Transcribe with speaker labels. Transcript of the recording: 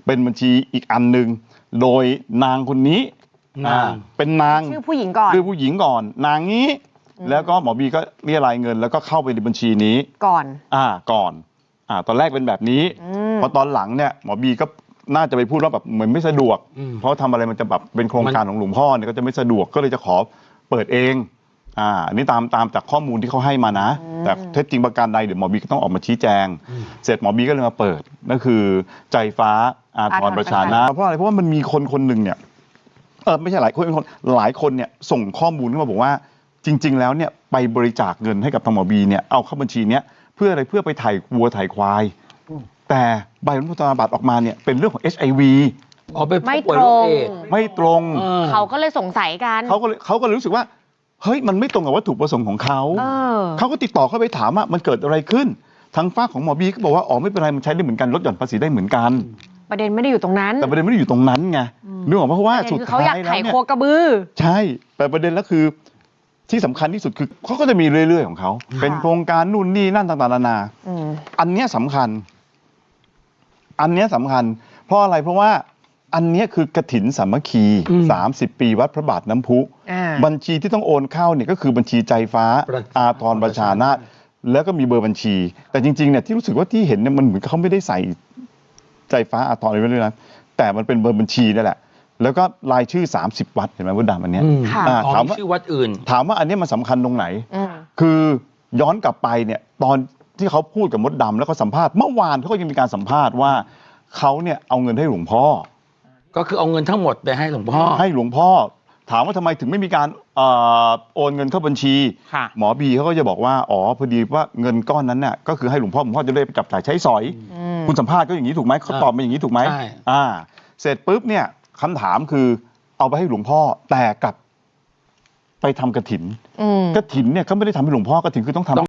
Speaker 1: เป็นบัญชีอีกอันหนึ่งโดยนางคนนี้เป็นนาง
Speaker 2: ชื่อผู้หญิงก่อน
Speaker 1: นางนี้แล้วก็หมอบีก็เรียรายเงินแล้วก็เข้าไปในบัญชีนี้
Speaker 2: ก่อน
Speaker 1: ตอนแรกเป็นแบบนี้พอตอนหลังเนี่ยหมอบีก็น่าจะไปพูดว่าแบบเหมือนไม่สะดวกเพราะทำอะไรมันจะแบบเป็นโครงการของหลวงพ่อเนี่ยก็จะไม่สะดวกก็เลยจะขอเปิดเองอันนี้ตามจากข้อมูลที่เขาให้มานะแต่เท็จจริงประการใดเดี๋ยวหมอบีก็ต้องออกมาชี้แจงเสร็จหมอบีก็เลยมาเปิดนั่นคือใจฟ้าอาทรประชานาเพราะอะไรเพราะว่ามันมีคนหนึ่งเนี่ยไม่ใช่หลายคนเนี่ยส่งข้อมูลขึ้นมาบอกว่าจริงๆแล้วเนี่ยไปบริจาคเงินให้กับทางหมอบีเนี่ยเอาเข้าบัญชีเนี้ยเพื่ออะไรเพื่อไปถ่ายวัวถ่ายควายแต่ใบบรรพชาบัตรออกมาเนี่ยเป็นเรื่องของ HIV ไม่ตรง
Speaker 2: เขาก็เลยสงสัยกัน
Speaker 1: เขาก็เลยรู้สึกว่าเฮ้ยมันไม่ตรงกับวัตถุประสงค์ของเขาก็ติดต่อเข้าไปถามว่ามันเกิดอะไรขึ้นทางฝั่งของหมอบีก็บอกว่าอ๋อไม่เป็นไรมันใช้ได้เหมือนกันลดหย่อนภาษีได้เหมือนกัน
Speaker 2: ประเด็นไม่ได้อยู่ตรงนั้น
Speaker 1: แต่ประเด็นไม่ได้อยู่ตรงนั้นไงนึกออกไหมเพราะว่าสุดท้ายแล้วเนี่ยเขาอยากไถโคกระบือใช่แต่ประเด็นแล้วคือที่สำคัญที่สุดคือเขาก็จะมีเรื่อยๆของเขาเป็นโครงการนู่นนี่นั่นต่างๆนานาอันนี้สำคัญเพราะอะไรเพราะว่าอันนี้คือกฐินสามัคคี30 ปีวัดพระบาทน้ำพุบัญชีที่ต้องโอนเข้าเนี่ยก็คือบัญชีใจฟ้าอาทรประชานาถแล้วก็มีเบอร์บัญชีแต่จริงๆเนี่ยที่รู้สึกว่าที่เห็นเนี่ยมันเหมือนเขาไม่ได้ใส่ใจฟ้าอาทรอะไรไว้ด้วยนะแต่มันเป็นเบอร์บัญชีนั่นแหละแล้วก็รายชื่อ30 วัดเห็นไหมมดดำอันเนี้ยถามว่าชื่อวัดอื่นถามว่าอันนี้มันสำคัญตรงไหนคือย้อนกลับไปเนี่ยตอนที่เขาพูดกับมดดำแล้วก็สัมภาษณ์เมื่อวานเขาก็ยังมีการสัมภาษณ์ว่าเขาเนี่ยเอาเงินให้หลวงพ่อ
Speaker 3: ก็คือเอาเงินทั้งหมดไปให้หลวงพ่อ
Speaker 1: ถามว่าทำไมถึงไม่มีการโอนเงินเข้าบัญชีหมอบีเขาก็จะบอกว่าอ๋อพอดีว่าเงินก้อนนั้นเนี่ยก็คือให้หลวงพ่อจะได้ไปจับจ่ายใช้สอยคุณสัมภาษณ์ก็อย่างนี้ถูกไหมเขาตอบมาอย่างนี้ถูกไหมเสร็จปุ๊บเนี่ยคำถามคือเอาไปให้หลวงพ่อแต่กลับไปทำกฐินเนี่ยเขาไม่ได้ทำให้หลวงพ่อกฐินคือต้องทำ